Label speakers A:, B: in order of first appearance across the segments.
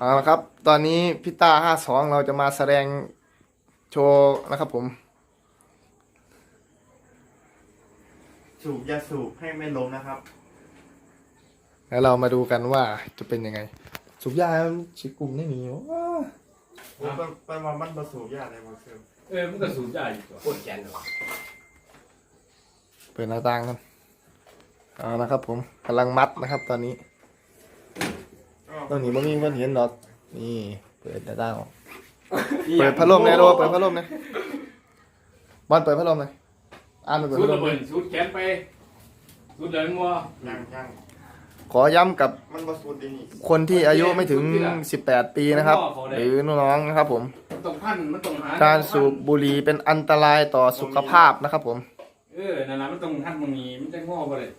A: เอาละครับตอนนี้พี่ต้า52เราจะมาแสดงโชว์นะครับผม
B: สูบอย่าสูบให้ไม่ล้มนะครับ
A: แล้วเรามาดูกันว่าจะเป็นยังไงสูบยาชิกลุ่มไม่มีว้า
B: ไปมามันผสมยาอะไรมาเสริม
C: มันก็สูบยาอยู่ตัวปวดแขนเหรอ
A: เปิดหน้าต่างกันเอานะครับผมกำลังมัดนะครับตอนนี้ตอนนี้ไม่มีคนเห็นหรอกนี่เปิดหน้าต่างออกเปิดพัดลมเลยโดเปิดพัดลมเลยบอลเปิดพัดลมเลยอ่านเปิด
C: สู
A: พั
C: ด
A: ดล
C: ระ
A: ม
C: เบิดสูดแขนไปสูดเดินมัว
B: ยัง
A: ขอย้ำกับ
B: มันผสมดีนี่
A: คนที่อายุไม่ถึง18ปีนะครับหรือน้องๆนะครับผม
C: มันต้องพันมันต้องหา
A: การสูบบุหรี่เป็นอันตรายต่อสุขภาพนะครับผม
C: นั่นแหละมันต้องพันมึงนี้มันจะงอไปเลย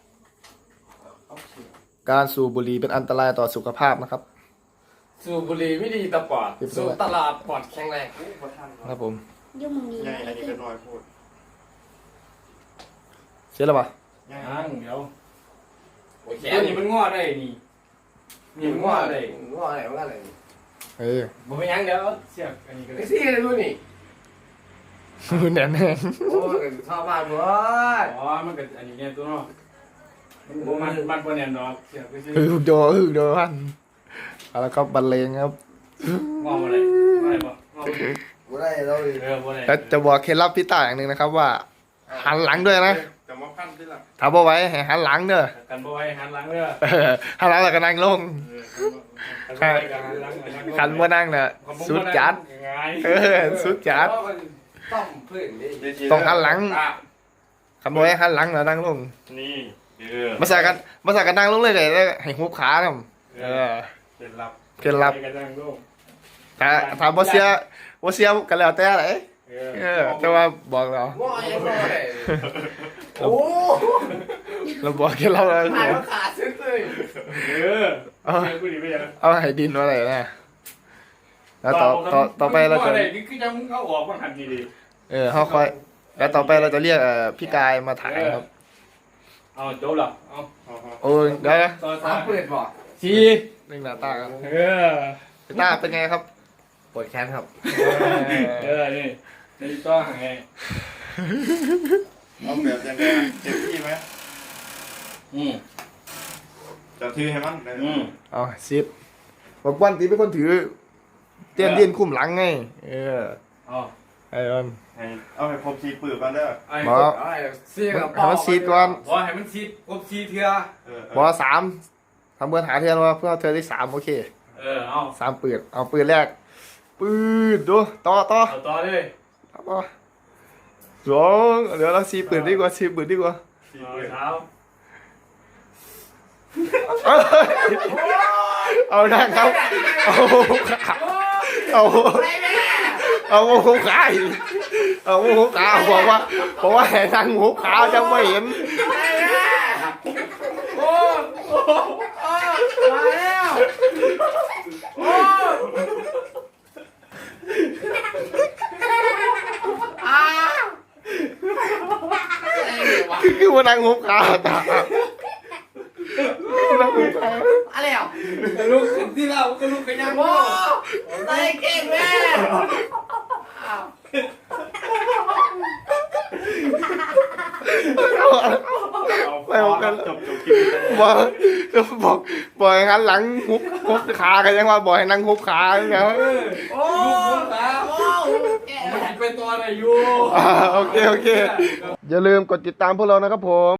A: การสูบบุหรี่เป็นอันตรายต่อสุขภาพนะครับ
C: สูบบุหรี่ไม่ดีต่อปอดสูบตลาดปอดแข็งแรง
A: ครับผม
D: ยุ่งนี้
B: ใหญ่อันนี้ก็น้อยพูด
A: เสร็จแล้วปะ
C: ยังเดี๋ยวแขนนี่มันงอได้นี่มันงอได้
E: งออะไรมันอะไร
C: บ่เป็นยังเดี๋ยวเสียบอันนี้ก็
E: ไอ้ซี่อะไรดูนี่
A: แน่นแน่
E: โอ้ยชอบมากเลย
C: อ๋อมันก็อันนี้เนี่ยตัวเนาะมันบ่แน่นดอกเสียบก็สิ
A: โดพันเอาละครับบรรเลงครับ
C: งอบ่ได้บ่ได้บ่งอบ่ได้
E: กูได้เราเลย
C: บ่ได้
A: แล้วจะบอกเคล็ดลับพี่ต้าอย่างหนึ่งนะครับว่าหันหลังด้วยนะ
B: แต่ว่าพันที่ละ
A: ถ้าบ่ไหว้ให้หันหลังเด้อ
C: กันบ่ไว้หันหลังเด้อ
A: หันหลังแล้วก็นั่งลง ขันบ่นั่งน่ะสุดจัดสุดจัด
E: ต้องเพื่อนดิ
A: ต้องหันหลังขันบ่ไหว้หันหลังแล้วนั่งลง
B: นี่
A: มาใส่กันนั่งลงเลยเลยให้หุบขาทำ
B: เป็นลับ
A: เคล็ดลับถ้าบ่เสียกันแล้วแต่ไหนแต่ว่าบอกเรา
E: งอยังงอเลยโอ้
A: เราบอกเคล็ดลับแล้ว
E: หายว่าขาดซึ้งเลย
A: เอาให้ดินมาเลยนะแล้วต่อไปเราจะ
C: นี่คือจะมึงเข้าออกมาหันดี
A: เขาค่อยแล้วต่อไปเราจะเรียกพี่กายมาถ่ายครับ
C: เอาโจบหรอเอา
A: โอ้ยเดี๋ยว
C: ต่อ
E: สามเปิดบ่
C: สี่
A: นึ่งหน้าตาครับ
C: นี่
A: ตาเป็นไงครับ
E: ปวดแขนครับ
C: นี่นี่ต่อไง
B: เอาแบบยังไงเจ็บที่ไหมจะถือให้มัน
A: เอาซิดบอกวันตีเป็นคนถือเตี้ยนดินคุ้มหลังไงไอ้บอล
B: เอาให้ครบ4 ปืนกันเด้อ
E: ซี่กับ
A: ให้มันซีดก่อน
C: บอกให้มันซีดครบซีเถื่อบ
A: อ3ทำเบอร์หาเทียนว่าเพื่อเธอที่3โอเค
C: เอา
A: 3ปืนเอาปืนแรกปืนดูต่อ
C: ต่อเลย
A: สองเดี๋ยวเรา4ปืนดีกว่า4ปืนดีกว่า
C: เท้า
A: เอาได้ครับเอาขาเอาหัวขาเอาหัวขาบอกว่าให้นั่งหัวขาจะไม่เห็น
E: โอ้มาแล้วโอ้
A: คือว่านั่งหัวขาตานั่งหัวขา
E: อะไรอ่ะ
C: ลูกขึ้นที่เราก็ลูกกันยัง
E: โอ้ใส่เก่งแม่
A: ไม่บอกกัน
B: จบคลิป
A: บอกให้หันหลังหุบขากันยังว่าบอกให้นั่งหุบขาอย่างเงี้ย
E: โอ้
C: ลูกตา
E: โอ้
C: ไปตัวไหนอยู่
A: โอเคอย่าลืมกดติดตามพวกเรานะครับผม